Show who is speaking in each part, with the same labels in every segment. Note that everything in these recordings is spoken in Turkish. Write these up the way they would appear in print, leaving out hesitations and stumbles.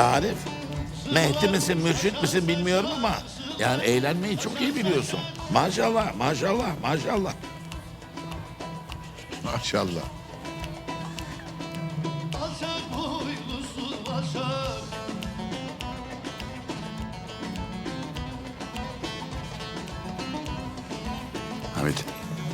Speaker 1: Arif, Mehdi misin, mürşit misin bilmiyorum ama yani eğlenmeyi çok iyi biliyorsun. Maşallah, maşallah, maşallah.
Speaker 2: Maşallah.
Speaker 1: Hamit.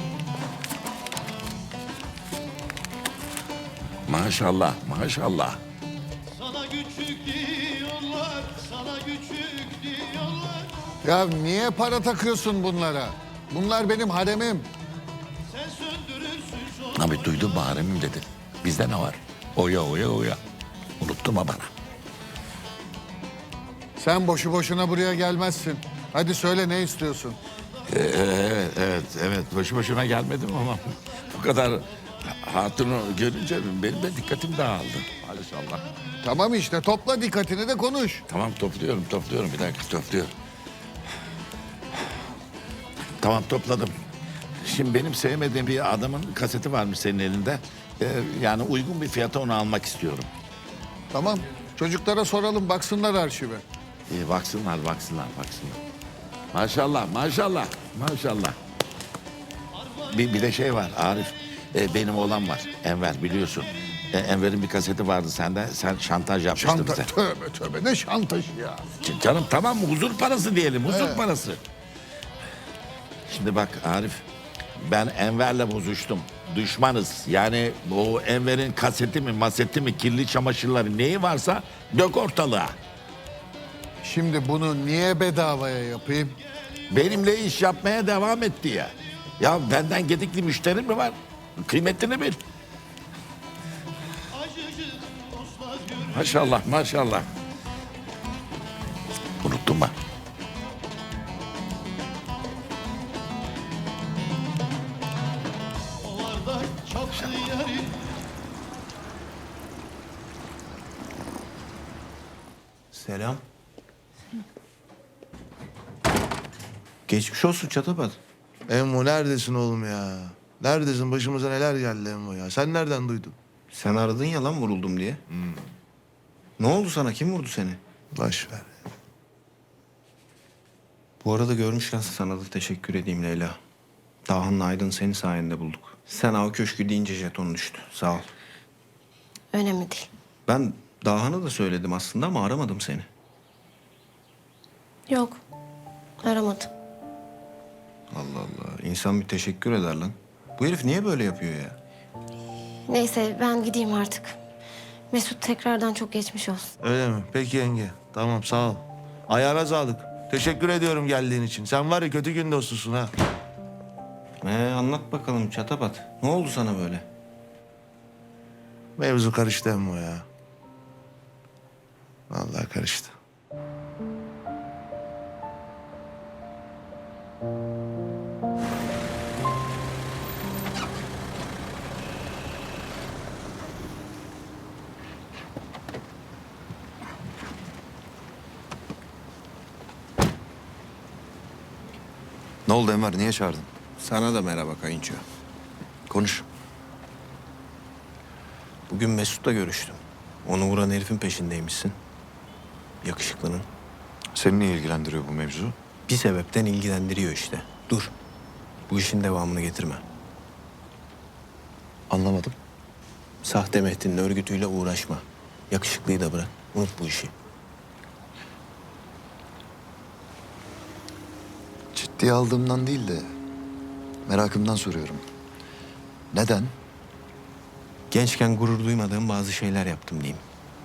Speaker 1: Maşallah, maşallah.
Speaker 3: Sana küçük diyorlar, sana küçük diyorlar.
Speaker 2: Ya niye para takıyorsun bunlara? Bunlar benim haremim.
Speaker 3: Sen söndürürsün şu
Speaker 1: Hamit duydun mu haremim dedi. Bizde ne var? Oya, oya, oya. Unutturma bana.
Speaker 2: Sen boşu boşuna buraya gelmezsin. Hadi söyle ne istiyorsun?
Speaker 1: Evet. Boşu boşuna gelmedim ama bu kadar hatunu görünce benim de dikkatim dağıldı. Maşallah.
Speaker 2: Tamam işte topla dikkatini de konuş.
Speaker 1: Tamam topluyorum. Bir dakika topluyorum. Tamam topladım. Şimdi benim sevmediğim bir adamın kaseti varmış senin elinde. Yani uygun bir fiyata onu almak istiyorum.
Speaker 2: Tamam çocuklara soralım baksınlar arşive.
Speaker 1: İyi baksınlar. Maşallah. Bir de şey var Arif. Benim oğlan var. Enver biliyorsun. Enver'in bir kaseti vardı sende. Sen şantaj yapmıştın
Speaker 2: Şantaj.
Speaker 1: bize.
Speaker 2: Tövbe ne şantajı ya.
Speaker 1: Canım tamam mı? Huzur parası diyelim. Huzur parası. Şimdi bak Arif. Ben Enver'le bozuştum. Düşmanız. Yani o Enver'in kaseti mi, maseti mi, kirli çamaşırları neyi varsa dök ortalığa.
Speaker 2: Şimdi bunu niye bedavaya yapayım?
Speaker 1: Benimle iş yapmaya devam et diye. Ya benden gedikli müşterim mi var? Kıymetini bil.
Speaker 3: acıcı dostlar görür.
Speaker 1: Maşallah. Unuttun mu?
Speaker 3: Ovarda çaplı yarim.
Speaker 4: Selam. Geçmiş olsun Çatapat.
Speaker 5: Emmo neredesin oğlum ya? Neredesin? Başımıza neler geldi Emmo ya? Sen nereden duydun?
Speaker 4: Sen aradın ya lan vuruldum diye. Ne oldu sana? Kim vurdu seni?
Speaker 5: Boş ver.
Speaker 4: Bu arada görmüşken sana da teşekkür edeyim Leyla. Dahan'la Aydın seni sayende bulduk. Sen av köşkü deyince jeton düştü. Sağ ol.
Speaker 6: Önemli değil.
Speaker 4: Ben Dahan'a da söyledim aslında ama aramadım seni.
Speaker 6: Yok. Aramadım.
Speaker 4: Allah Allah. İnsan bir teşekkür eder lan. Bu herif niye böyle yapıyor ya?
Speaker 6: Neyse ben gideyim artık. Mesut tekrardan çok geçmiş olsun.
Speaker 5: Öyle mi? Peki yenge. Tamam sağ ol. Ayağına sağlık. Teşekkür ediyorum geldiğin için. Sen var ya kötü gün dostusun ha.
Speaker 4: Anlat bakalım Çatapat. Ne oldu sana böyle?
Speaker 5: Mevzu karıştı Emmo ya. Vallahi karıştı.
Speaker 7: Ne oldu Enver? Niye çağırdın?
Speaker 4: Sana da merhaba kayınço.
Speaker 7: Konuş.
Speaker 4: Bugün Mesut'la görüştüm. Onu vuran herifin peşindeymişsin. Yakışıklının.
Speaker 7: Seni niye ilgilendiriyor bu mevzu?
Speaker 4: Bir sebepten ilgilendiriyor işte. Dur. Bu işin devamını getirme.
Speaker 7: Anlamadım.
Speaker 4: Sahte Mehdi'nin örgütüyle uğraşma. Yakışıklıyı da bırak. Unut bu işi.
Speaker 7: Ciddiye aldığımdan değil de merakımdan soruyorum. Neden?
Speaker 4: Gençken gurur duymadığım bazı şeyler yaptım diyeyim.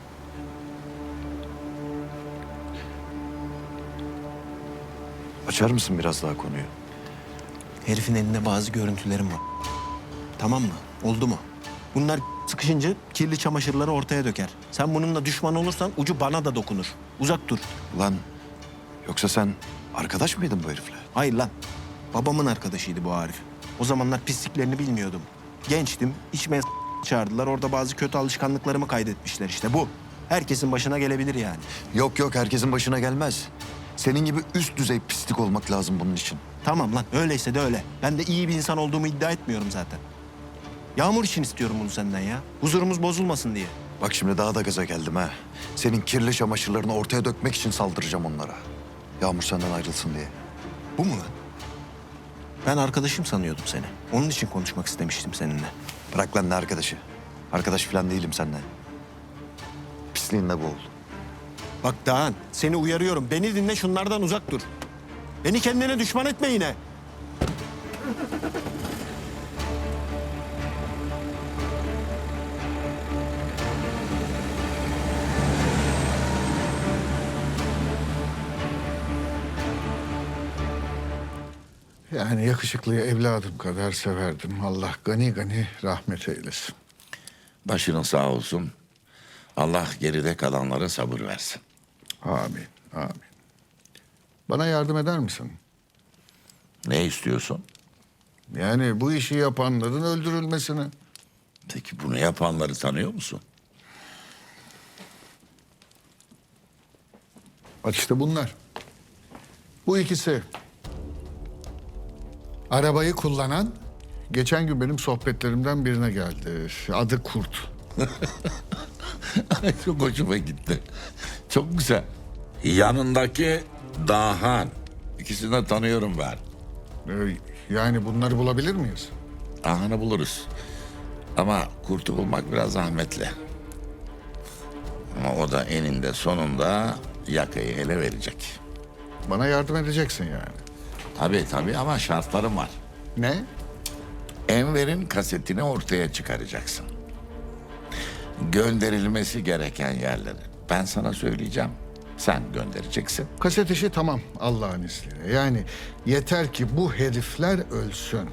Speaker 7: Açar mısın biraz daha konuyu?
Speaker 4: Herifin elinde bazı görüntülerim var. Tamam mı? Oldu mu? Bunlar sıkışınca kirli çamaşırları ortaya döker. Sen bununla düşman olursan ucu bana da dokunur. Uzak dur.
Speaker 7: Lan yoksa sen arkadaş mıydın bu herifle?
Speaker 4: Hayır lan. Babamın arkadaşıydı bu Arif. O zamanlar pisliklerini bilmiyordum. Gençtim. İçmeye çağırdılar. Orada bazı kötü alışkanlıklarımı kaydetmişler işte bu. Herkesin başına gelebilir yani.
Speaker 7: Yok herkesin başına gelmez. Senin gibi üst düzey pislik olmak lazım bunun için.
Speaker 4: Tamam lan öyleyse de öyle. Ben de iyi bir insan olduğumu iddia etmiyorum zaten. Yağmur için istiyorum bunu senden ya. Huzurumuz bozulmasın diye.
Speaker 7: Bak şimdi daha da gaza geldim ha. Senin kirli çamaşırlarını ortaya dökmek için saldıracağım onlara. Yağmur senden ayrılsın diye.
Speaker 4: Bu mu lan? Ben arkadaşım sanıyordum seni. Onun için konuşmak istemiştim seninle.
Speaker 7: Bırak lan ne arkadaşı. Arkadaş falan değilim seninle. Pisliğinle boğul.
Speaker 4: Bak Dağhan, seni uyarıyorum. Beni dinle, şunlardan uzak dur. Beni kendine düşman etme yine.
Speaker 2: Yani yakışıklıyı evladım kadar severdim. Allah gani gani rahmet eylesin.
Speaker 1: Başının sağ olsun. Allah geride kalanlara sabır versin.
Speaker 2: Amin, amin. Bana yardım eder misin?
Speaker 1: Ne istiyorsun?
Speaker 2: Yani bu işi yapanların öldürülmesini.
Speaker 1: Peki bunu yapanları tanıyor musun?
Speaker 2: Bak işte bunlar. Bu ikisi. Arabayı kullanan geçen gün benim sohbetlerimden birine geldi. Adı Kurt.
Speaker 1: Çok hoşuma gitti. Çok güzel. Yanındaki Dahan. İkisini de tanıyorum ben.
Speaker 2: Yani bunları bulabilir miyiz?
Speaker 1: Dahan'ı buluruz. Ama kurtu bulmak biraz zahmetli. Ama o da eninde sonunda yakayı ele verecek.
Speaker 2: Bana yardım edeceksin yani.
Speaker 1: Tabii ama şartlarım var.
Speaker 2: Ne?
Speaker 1: Enver'in kasetini ortaya çıkaracaksın. Gönderilmesi gereken yerleri ben sana söyleyeceğim. Sen göndereceksin.
Speaker 2: Kaset işi tamam Allah'ın izniyle. Yani yeter ki bu herifler ölsün.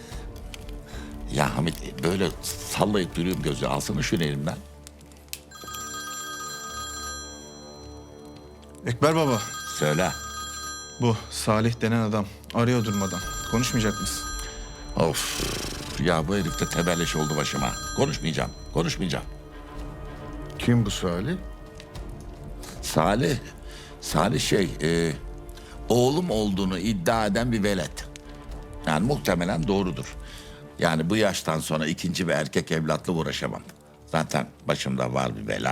Speaker 1: Ya Hamit böyle sallayıp duruyorum gözü. Alsana şunu elimden.
Speaker 8: Ekber baba,
Speaker 1: Söyle.
Speaker 8: bu Salih denen adam arıyor durmadan. Konuşmayacak mısın?
Speaker 1: Of. Ya bu herif de tebelleş oldu başıma. Konuşmayacağım.
Speaker 2: Kim bu Salih?
Speaker 1: Salih oğlum olduğunu iddia eden bir velet. Yani muhtemelen doğrudur. Yani bu yaştan sonra ikinci bir erkek evlatla uğraşamam. Zaten başımda var bir bela.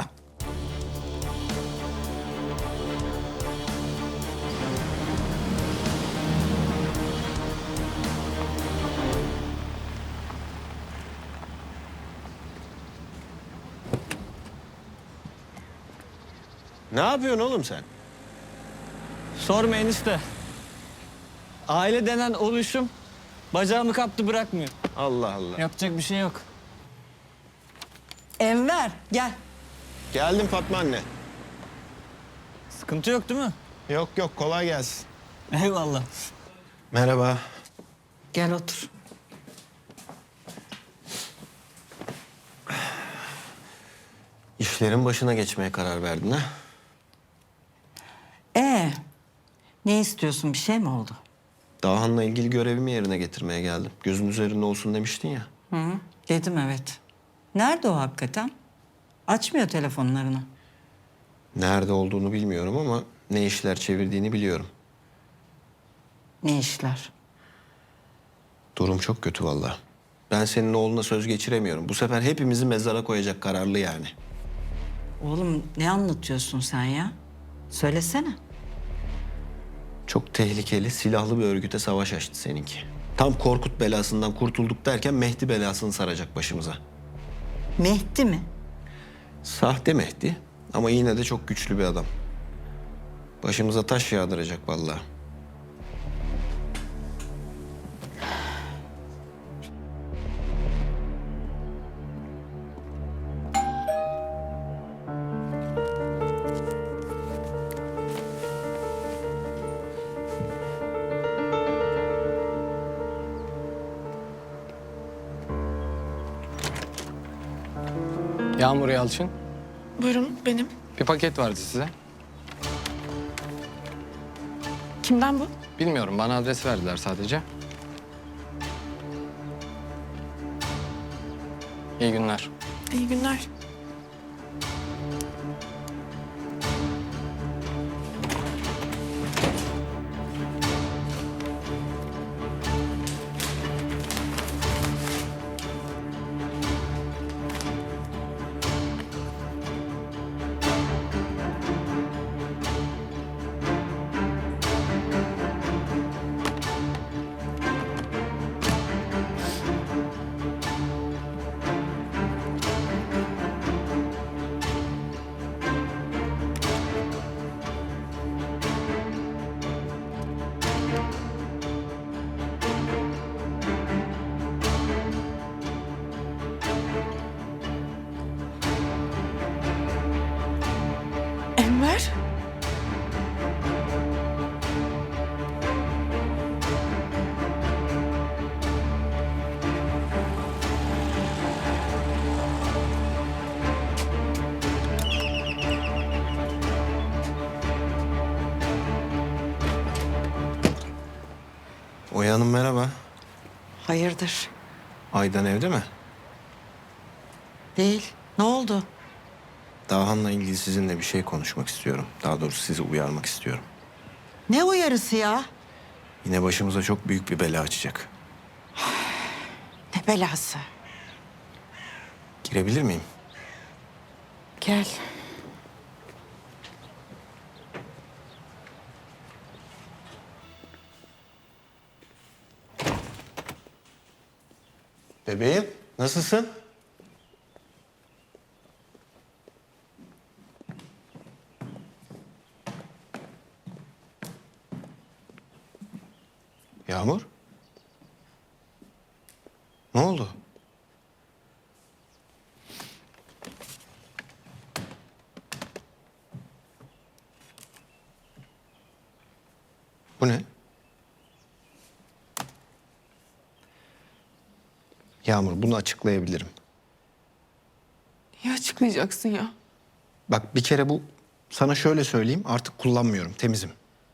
Speaker 4: Ne yapıyorsun oğlum sen?
Speaker 9: Sorma enişte. Aile denen oluşum bacağımı kaptı bırakmıyor.
Speaker 4: Allah Allah.
Speaker 9: Yapacak bir şey yok. Enver gel.
Speaker 4: Geldim Fatma anne.
Speaker 9: Sıkıntı yok değil mi?
Speaker 4: Yok kolay gelsin.
Speaker 9: Eyvallah.
Speaker 4: Merhaba.
Speaker 9: Gel otur.
Speaker 4: İşlerin başına geçmeye karar verdin ha?
Speaker 10: Ne istiyorsun? Bir şey mi oldu?
Speaker 4: Dahan'la ilgili görevimi yerine getirmeye geldim. Gözün üzerinde olsun demiştin ya.
Speaker 10: Dedim evet. Nerede o hakikaten? Açmıyor telefonlarını.
Speaker 4: Nerede olduğunu bilmiyorum ama ne işler çevirdiğini biliyorum.
Speaker 10: Ne işler?
Speaker 4: Durum çok kötü vallahi. Ben senin oğluna söz geçiremiyorum. Bu sefer hepimizi mezara koyacak kararlı yani.
Speaker 10: Oğlum ne anlatıyorsun sen ya? Söylesene.
Speaker 4: Çok tehlikeli, silahlı bir örgüte savaş açtı seninki. Tam Korkut belasından kurtulduk derken Mehdi belasını saracak başımıza.
Speaker 10: Mehdi mi?
Speaker 4: Sahte Mehdi ama yine de çok güçlü bir adam. Başımıza taş yağdıracak vallahi.
Speaker 11: Yağmur Yalçın.
Speaker 12: Buyurun benim.
Speaker 11: Bir paket vardı size.
Speaker 12: Kimden bu?
Speaker 11: Bilmiyorum, bana adres verdiler sadece. İyi günler.
Speaker 12: İyi günler.
Speaker 4: Hanım merhaba.
Speaker 10: Hayırdır?
Speaker 4: Aydan evde mi?
Speaker 10: Değil. Ne oldu?
Speaker 4: Dahan'la ilgili sizinle bir şey konuşmak istiyorum. Daha doğrusu sizi uyarmak istiyorum.
Speaker 10: Ne uyarısı ya?
Speaker 4: Yine başımıza çok büyük bir bela açacak.
Speaker 10: Ne belası?
Speaker 4: Girebilir miyim?
Speaker 10: Gel.
Speaker 4: Bebeğim, nasılsın? Yağmur? Ne oldu? Bu ne? Yağmur, bunu açıklayabilirim.
Speaker 12: Niye açıklayacaksın ya?
Speaker 4: Bak bir kere bu, sana şöyle söyleyeyim, artık kullanmıyorum, temizim.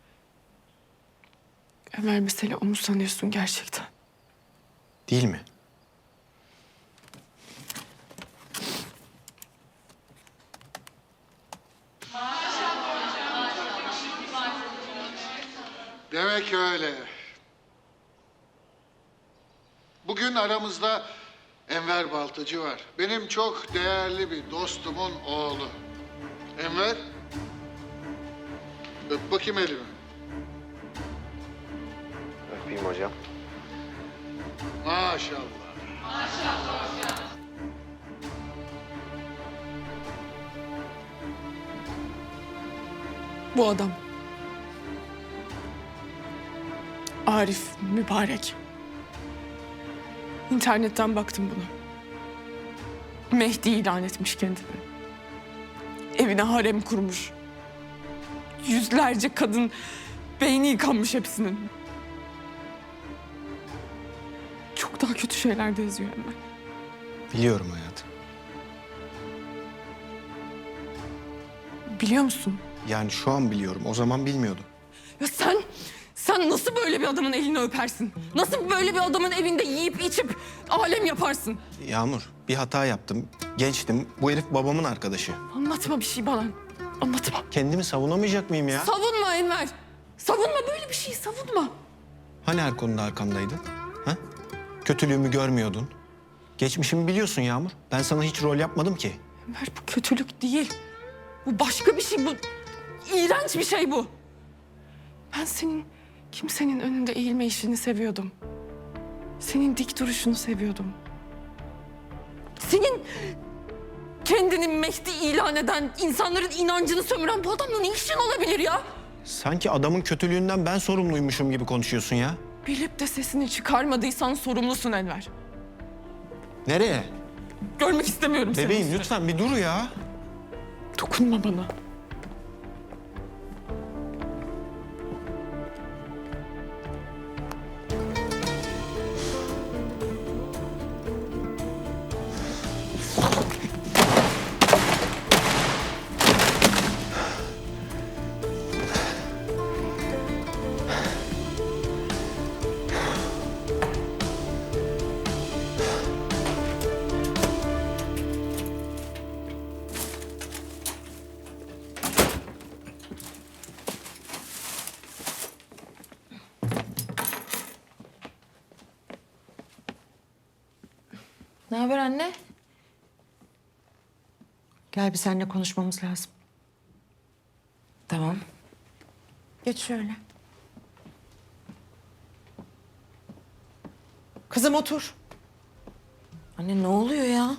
Speaker 12: Ömer, mesele o mu sanıyorsun gerçekten?
Speaker 4: Değil mi?
Speaker 2: Demek öyle. Bugün aramızda Enver Baltacı var. Benim çok değerli bir dostumun oğlu. Enver, öp bakayım elimi.
Speaker 4: Öpeyim hocam.
Speaker 2: Maşallah.
Speaker 12: Bu adam. Arif Mübarek. İnternetten baktım buna. Mehdi ilan etmiş kendini. Evine harem kurmuş. Yüzlerce kadın beyni yıkanmış hepsinin. Çok daha kötü şeyler de yazıyor hemen.
Speaker 4: Biliyorum hayatım.
Speaker 12: Biliyor musun?
Speaker 4: Yani şu an biliyorum, o zaman bilmiyordum.
Speaker 12: Ya sen nasıl böyle bir adamın elini öpersin? Nasıl böyle bir adamın evinde yiyip içip alem yaparsın?
Speaker 4: Yağmur, bir hata yaptım. Gençtim. Bu herif babamın arkadaşı.
Speaker 12: Anlatma bir şey bana. Anlatma.
Speaker 4: Kendimi savunamayacak mıyım ya?
Speaker 12: Savunma Enver. Savunma, böyle bir şeyi savunma.
Speaker 4: Hani her konuda arkamdaydın? Ha? Kötülüğümü görmüyordun. Geçmişimi biliyorsun Yağmur. Ben sana hiç rol yapmadım ki.
Speaker 12: Enver, bu kötülük değil. Bu başka bir şey. Bu iğrenç bir şey bu. Ben senin kimsenin önünde eğilme işini seviyordum. Senin dik duruşunu seviyordum. Senin kendini Mehdi ilan eden, insanların inancını sömüren bu adamla ne işin olabilir ya?
Speaker 4: Sanki adamın kötülüğünden ben sorumluymuşum gibi konuşuyorsun ya.
Speaker 12: Bilip de sesini çıkarmadıysan sorumlusun Enver.
Speaker 4: Nereye?
Speaker 12: Görmek istemiyorum seni.
Speaker 4: Bebeğim lütfen bir dur ya.
Speaker 12: Dokunma bana.
Speaker 9: Ne haber anne?
Speaker 10: Gel bir seninle konuşmamız lazım.
Speaker 9: Tamam. Geç şöyle. Kızım otur. Anne ne oluyor ya?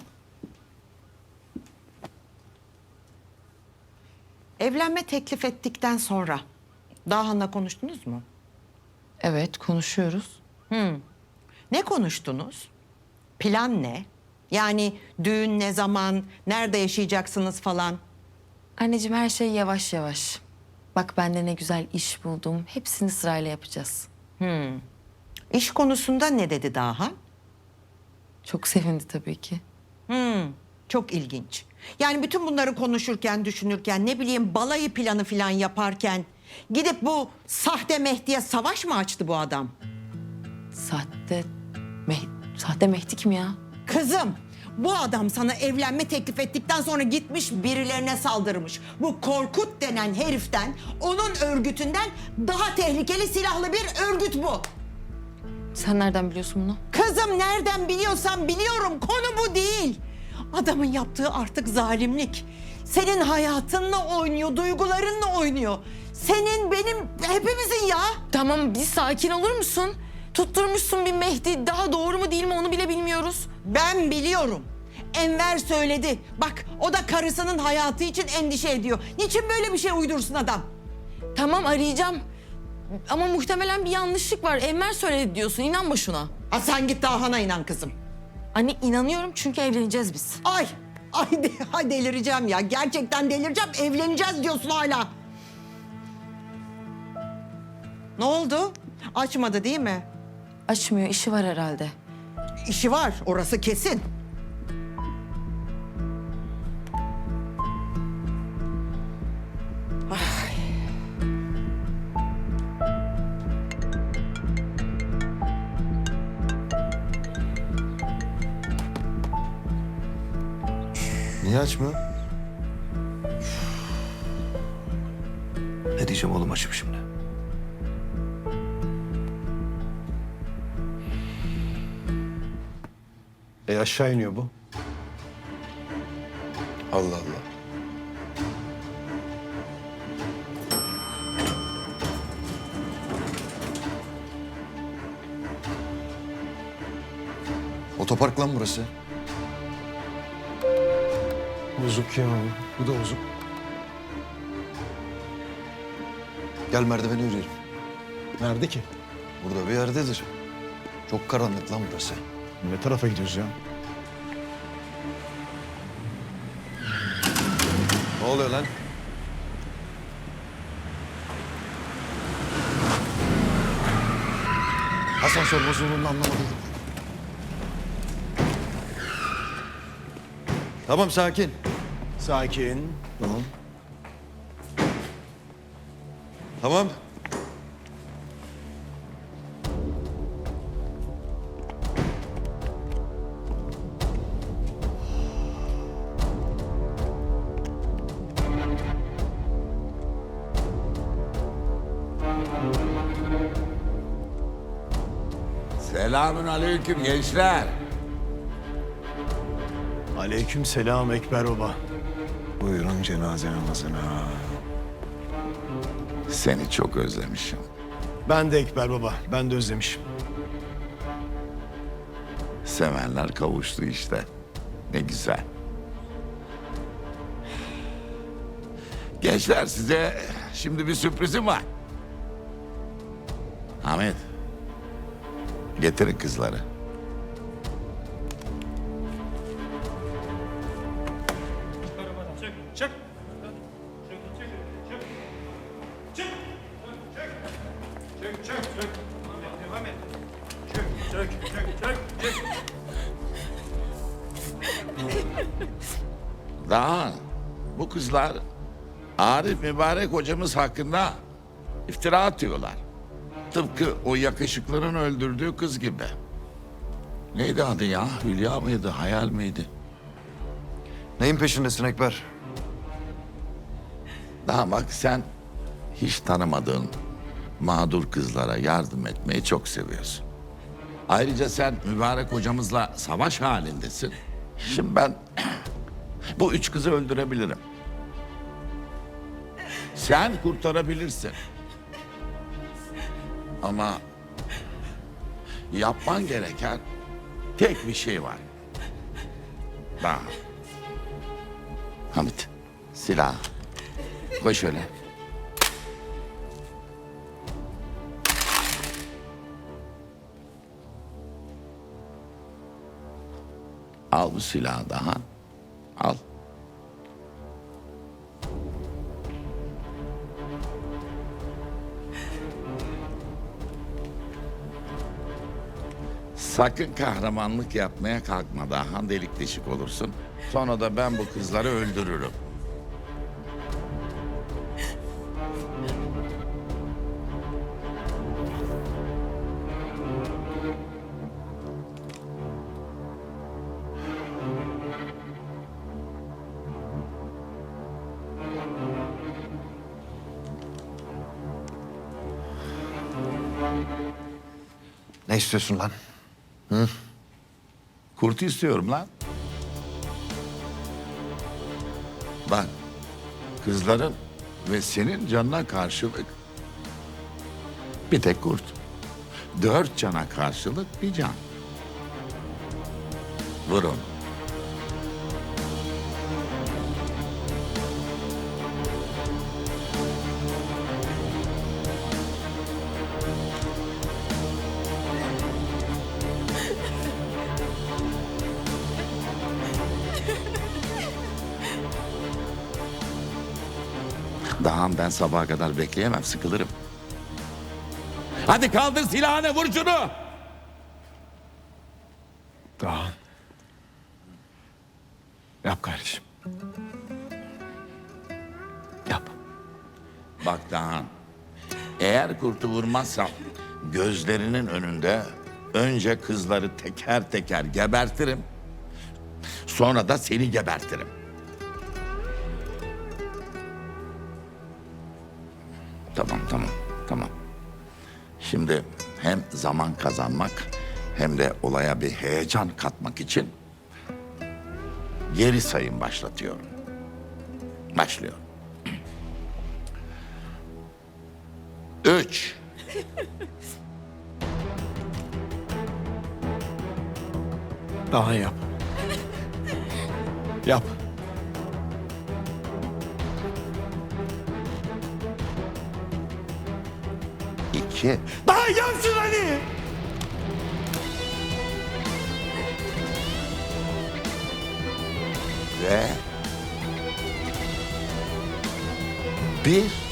Speaker 10: Evlenme teklif ettikten sonra Dahan'la konuştunuz mu?
Speaker 9: Evet, konuşuyoruz.
Speaker 10: Ne konuştunuz? Plan ne? Yani düğün ne zaman, nerede yaşayacaksınız falan?
Speaker 9: Anneciğim, her şey yavaş yavaş. Bak, ben de ne güzel iş buldum. Hepsini sırayla yapacağız.
Speaker 10: İş konusunda ne dedi Dahan?
Speaker 9: Çok sevindi tabii ki.
Speaker 10: Çok ilginç. Yani bütün bunları konuşurken, düşünürken, ne bileyim balayı planı falan yaparken gidip bu sahte Mehdi'ye savaş mı açtı bu adam?
Speaker 9: Sahte Mehdi kim ya?
Speaker 10: Kızım, bu adam sana evlenme teklif ettikten sonra gitmiş birilerine saldırmış. Bu Korkut denen heriften, onun örgütünden daha tehlikeli silahlı bir örgüt bu.
Speaker 9: Sen nereden biliyorsun bunu?
Speaker 10: Kızım nereden biliyorsam biliyorum, konu bu değil. Adamın yaptığı artık zalimlik. Senin hayatınla oynuyor, duygularınla oynuyor. Senin, benim, hepimizin ya.
Speaker 9: Tamam, bir sakin olur musun? Tutturmuşsun bir Mehdi. Daha doğru mu değil mi onu bile bilmiyoruz.
Speaker 10: Ben biliyorum. Enver söyledi. Bak, o da karısının hayatı için endişe ediyor. Niçin böyle bir şey uydursun adam?
Speaker 9: Tamam, arayacağım. Ama muhtemelen bir yanlışlık var. Enver söyledi diyorsun. İnanma şuna.
Speaker 10: Ha, sen git Dahan'a inan kızım.
Speaker 9: Anne inanıyorum çünkü evleneceğiz biz.
Speaker 10: Ay delireceğim ya. Gerçekten delireceğim. Evleneceğiz diyorsun hala. Ne oldu? Açmadı değil mi?
Speaker 9: Açmıyor, işi var herhalde.
Speaker 10: İşi var, orası kesin.
Speaker 5: Niye açmıyor?
Speaker 7: Ne diyeceğim oğlum açıp şimdi?
Speaker 4: Aşağı iniyor bu.
Speaker 7: Allah Allah. Otopark lan burası.
Speaker 4: Bozuk ya. Bu da bozuk.
Speaker 7: Gel merdiveni yürüyelim.
Speaker 4: Nerede ki?
Speaker 7: Burada bir yerdedir. Çok karanlık lan burası.
Speaker 4: Ne tarafa gidiyoruz ya?
Speaker 7: Ne oluyor lan? Asansör bozulduğunu anlamadım. Tamam sakin.
Speaker 4: Sakin.
Speaker 7: Tamam. Tamam.
Speaker 1: Selamün aleyküm gençler.
Speaker 4: Aleyküm selam Ekber Baba.
Speaker 7: Buyurun cenaze namazına.
Speaker 1: Seni çok özlemişim.
Speaker 4: Ben de Ekber Baba. Ben de özlemişim.
Speaker 1: Sevenler kavuştu işte. Ne güzel. Gençler size şimdi bir sürprizim var. Ahmet. Getirin kızları. Daha bu kızlar Arif mübarek hocamız hakkında iftira atıyorlar. Tıpkı o yakışıklının öldürdüğü kız gibi. Neydi adı ya? Hülya mıydı? Hayal miydi?
Speaker 7: Neyin peşindesin Ekber?
Speaker 1: Daha bak sen hiç tanımadığın mağdur kızlara yardım etmeyi çok seviyorsun. Ayrıca sen mübarek hocamızla savaş halindesin. Şimdi ben bu 3 kızı öldürebilirim. Sen kurtarabilirsin. Ama yapman gereken tek bir şey var. Daha. Hamit, silah. Koy şöyle. Al bu silahı daha. Al. Sakın kahramanlık yapmaya kalkma daha. Delik deşik olursun. Sonra da ben bu kızları öldürürüm.
Speaker 7: Ne istiyorsun lan?
Speaker 1: Kurt istiyorum lan. Bak, kızların ve senin canına karşılık bir tek kurt. 4 cana karşılık bir can. Vurun. Daha ben sabaha kadar bekleyemem, sıkılırım. Hadi kaldır silahını, vur şunu.
Speaker 4: Daha. Yap kardeşim. Yap.
Speaker 1: Bak Dahan, eğer kurtu vurmazsam gözlerinin önünde önce kızları teker teker gebertirim. Sonra da seni gebertirim. Tamam. Şimdi hem zaman kazanmak hem de olaya bir heyecan katmak için geri sayım başlatıyorum. Başlıyorum. 3.
Speaker 4: Daha yap. Yap.
Speaker 1: 2.
Speaker 5: Daha yapsın hadi.
Speaker 1: Ve 1.